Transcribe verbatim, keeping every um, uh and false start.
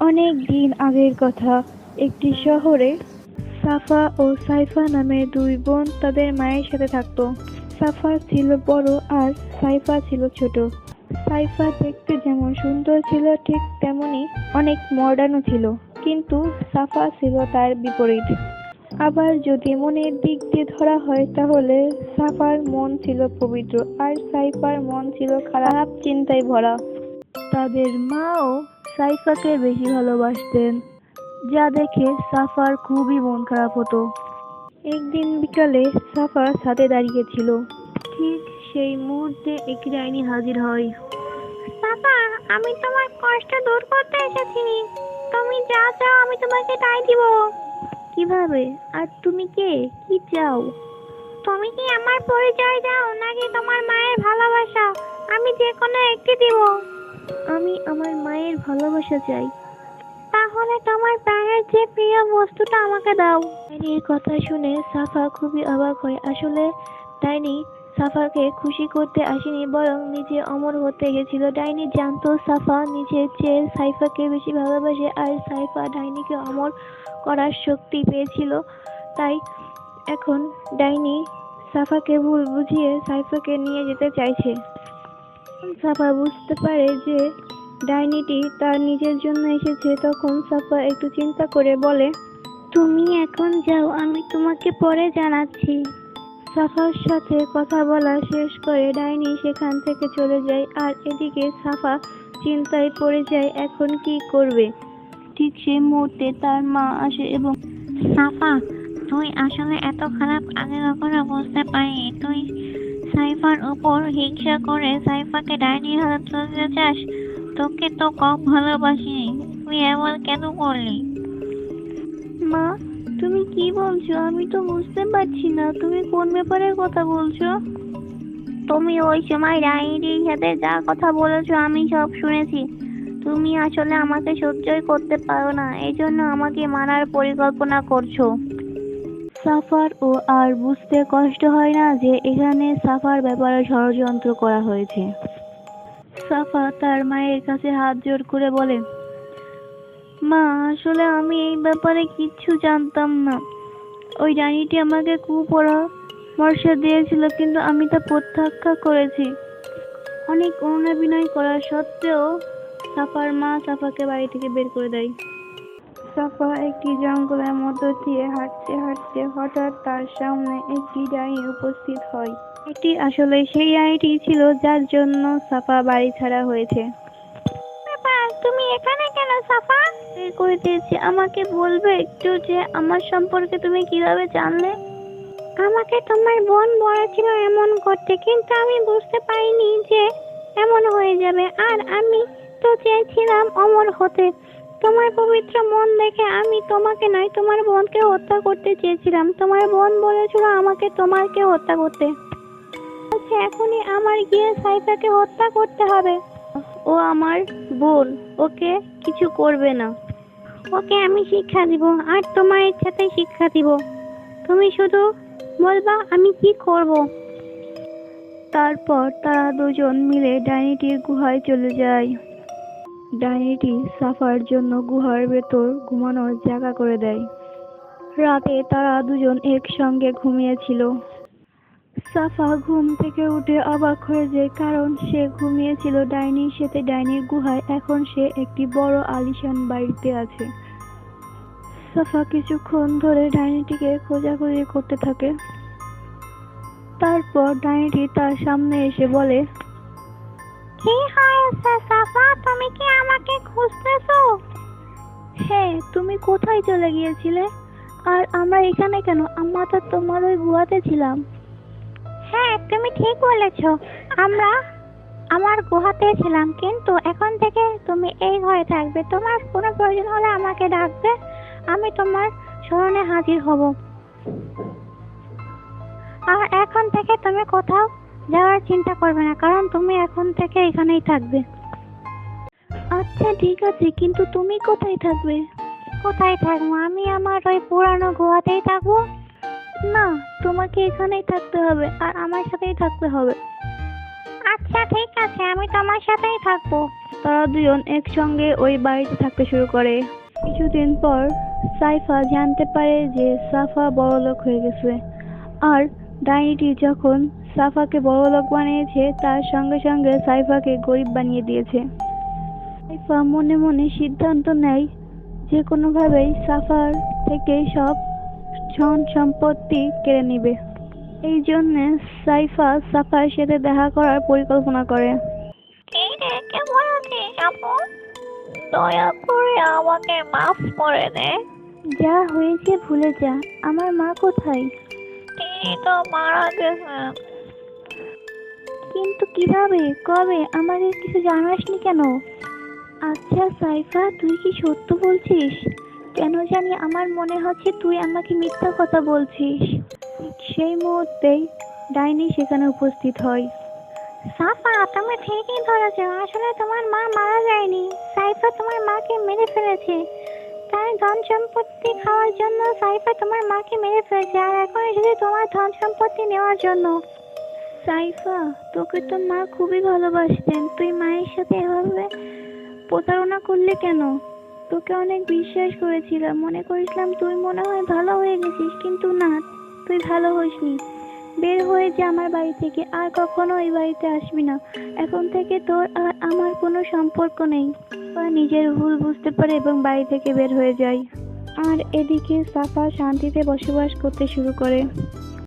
অনেক দিন আগের কথা। একটি শহরে সাফা ও সাইফা নামে দুই বোন তাদের মায়ের সাথে থাকতো। সাফা ছিল বড় আর সাইফা ছিল ছোট। সাইফা দেখতে যেমন সুন্দর ছিল ঠিক তেমনি অনেক মডার্নও ছিল, কিন্তু সাফা ছিল তার বিপরীত। আবার যদি মনের দিক দিয়ে ধরা হয় তাহলে সাফার মন ছিল পবিত্র আর সাইফার মন ছিল খারাপ চিন্তায় ভরা। তাদের মাও সাইফাকে বেশি ভালোবাসতেন, যা দেখে সাফার খুবই মন খারাপ হতো। একদিন বিকালে সাফা ছাদে দাঁড়িয়েছিল। ঠিক সেই মুহূর্তে একটি ডাইনি হাজির হয়। সাফা, আমি তোমার কষ্ট দূর করতে এসেছি। তুমি যা চাও আমি তোমাকে তাই দিব। কিভাবে? আর তুমি কে? কি চাও? তুমি কি আমার পরিচয় দাও নাকি তোমার মায়ের ভালোবাসা? আমি যে কোনো একটি দিব। আমি আমার মায়ের ভালোবাসা চাই। তাহলে তোমার প্রাণের যে প্রিয় বস্তুটা আমাকে দাও। ডাইনির কথা শুনে সাফা খুবই অবাক হয়। আসলে ডাইনি সাফাকে খুশি করতে আসেনি, বরং নিজে অমর হতে গেছিল। ডাইনি জানতো সাফা নিজের চেয়ে সাইফাকে বেশি ভালোবাসে আর সাইফা ডাইনিকে অমর করার শক্তি পেয়েছিল। তাই এখন ডাইনি সাফাকে ভুল বুঝিয়ে সাইফাকে নিয়ে যেতে চাইছে। সাফা বুঝতে পারে যে ডাইনিটি তার নিজের জন্য এসেছে। তখন সাফা একটু চিন্তা করে বলে, তুমি এখন যাও, আমি তোমাকে পরে জানাচ্ছি। সাফার সাথে কথা বলা শেষ করে ডাইনি সেখান থেকে চলে যায়। আর এদিকে সাফা চিন্তায় পড়ে যায় এখন কি করবে। ঠিক সেই মুহূর্তে তার মা আসে এবং সাফা, তুই আসলে এত খারাপ আগে কখনো বুঝতে পারিনি। তুই সাইফার উপর হিংসা করে সাইফাকে ডাইনির হাতে তুলতে চাস। তোকে তো কম ভালোবাসিনি, তুই এমন কেন করলি? মা, তুমি কি বলছো? আমি তো বুঝতে পারছি না, তুমি কোন ব্যাপারে কথা বলছো? তুমি ওই সময় ডাইনির সাথে যা কথা বলেছো আমি সব শুনেছি। তুমি আসলে আমাকে সহ্যই করতে পারো না, এই জন্য আমাকে মারার পরিকল্পনা করছো। সাফার ও আর বুঝতে কষ্ট হয় না যে এখানে সাফার ব্যাপারে ষড়যন্ত্র করা হয়েছে। সাফা তার মায়ের কাছে হাত জোড় করে বলে, মা, আসলে আমি এই ব্যাপারে কিচ্ছু জানতাম না। ওই ডাইনিটি আমাকে কুপরামর্শ দিয়েছিল, কিন্তু আমি তা প্রত্যাখ্যান করেছি। অনেক অনুনয় করা সত্ত্বেও সাফার মা সাফাকে বাড়ি থেকে বের করে দেয়। সাফা একটি জঙ্গলের মধ্য দিয়ে হাঁটতে হাঁটতে হঠাৎ তার সামনে একটি ডাইনি উপস্থিত হয়। এটি আসলে সেই ডাইনিটি ছিল যার জন্য সাফা বাড়ি ছাড়া হয়েছে। ব্যাপার, তুমি এখানে কেন সাফা? বের করে দিয়েছি। আমাকে বলবে একটু যে আমার সম্পর্কে তুমি কিভাবে জানলে? আমাকে তোমার বোন বলেছিল এমন করতে, কিন্তু আমি বুঝতে পারিনি যে এমন হয়ে যাবে। আর আমি তো চেয়েছিলাম অমর হতে। তোমার পবিত্র মন দেখে আমি তোমাকে নয়, তোমার বোনকে হত্যা করতে চেয়েছিলাম। তোমার বোন বলেছিল আমাকে তোমাকে হত্যা করতে। বলছে এখনই আমার গিয়ে সাইফাকে হত্যা করতে হবে। ও আমার বোন, ওকে কিছু করবে না। ওকে আমি শিক্ষা দিব, আর তোমার ইচ্ছাতেই শিক্ষা দিব। তুমি শুধু বলবা আমি কি করব। তারপর তারা দুজন মিলে ডাইনিটির গুহায় চলে যায়। ডাইনিটি সাফার জন্য গুহার ভেতর ঘুমানোর জায়গা করে দেয়। রাতে তারা দুজন একসঙ্গে ঘুমিয়েছিল। সাফা ঘুম থেকে উঠে অবাক হয়ে যায়, কারণ সে ঘুমিয়েছিল ডাইনির সাথে ডাইনির গুহায়। এখন সে একটি বড় আলিশান বাড়িতে আছে। সাফা কিছুক্ষণ ধরে ডাইনিটিকে খোঁজাখুঁজি করতে থাকে। তারপর ডাইনিটি তার সামনে এসে বলে, কি হয়েছে সাফা, তুমি কি আমাকে খুঁজতেছো? হ্যাঁ, তুমি কোথায় চলে গিয়েছিলে? আর আমরা এখানে কেন? আমরা তো তোমার ওই গুহাতে ছিলাম। হ্যাঁ, তুমি ঠিক বলেছো, আমরা আমার গুহাতে ছিলাম, কিন্তু এখন থেকে তুমি এই ঘরে থাকবে। তোমার কোনো প্রয়োজন হলে আমাকে ডাকবে, আমি তোমার স্মরণে হাজির হব। আর এখন থেকে তুমি কোথাও যাওয়ার চিন্তা করবে না, কারণ তুমি এখন থেকে এখানেই থাকবে। আচ্ছা ঠিক আছে, কিন্তু তুমি কোথায় থাকবে? কোথায় থাকবো? আমি আমার ওই পুরানো গুহাতেই থাকবো। না, তোমাকে এখানেই থাকতে হবে আর আমার সাথেই থাকতে হবে। আচ্ছা ঠিক আছে, আমি তোমার সাথেই থাকবো। তারা দুজন একসঙ্গে ওই বাড়িতে থাকতে শুরু করে। কিছুদিন পর সাইফা জানতে পারে যে সাফা বড়লোক হয়ে গেছে, আর ডাইনিটি যখন সাফাকে বড়লোক বানিয়েছে তার সঙ্গে সঙ্গে সাইফাকে গরিব বানিয়ে দিয়েছে। সাইফা মনে মনে সিদ্ধান্ত নেয় যে কোনোভাবেই সাফার থেকে সব ধন সম্পত্তি কেড়ে নিবে। এই জন্য সাইফা সাফার সাথে দেখা করার পরিকল্পনা করে। কি রে, কেমন আছিস আপু? দয়া করে আমাকে মাফ করে দে। যা হয়েছে ভুলে যা। আমার মা কোথায়? তিনি তো মারা গেছেন। কিন্তু কিভাবে, কবে? আমাদের কিছু জানাসনি কেন? আচ্ছা সাইফা, তুই কি সত্য বলছিস? কেন জানি আমার মনে হচ্ছে তুই আমাকে মিথ্যা কথা বলছিস। সেই মুহূর্তেই ডাইনি সেখানে উপস্থিত হয়। সাফা, তুমি ঠিকই ধরেছ, আসলে তোমার মা মারা যায়নি। সাইফা তোমার মাকে মেরে ফেলেছে। তার ধন সম্পত্তি খাওয়ার জন্য সাইফা তোমার মাকে মেরে ফেলেছে, আর এখন এসেছে তোমার ধন সম্পত্তি নেওয়ার জন্য। সাইফা, তোকে তো মা খুবই ভালোবাসতেন, তুই মায়ের সাথে এভাবে প্রতারণা করলে কেন? তোকে অনেক বিশ্বাস করেছিলাম, মনে করেছিলাম তুই মনে হয় ভালো হয়ে গেছিস, কিন্তু না, তুই ভালো হসনি। বের হয়ে যা আমার বাড়ি থেকে, আর কখনো এই বাড়িতে আসবি না। এখন থেকে তোর আর আমার কোনো সম্পর্ক নেই। বা নিজের ভুল বুঝতে পারে এবং বাড়ি থেকে বের হয়ে যায়। আর এদিকে সাফা শান্তিতে বসবাস করতে শুরু করে।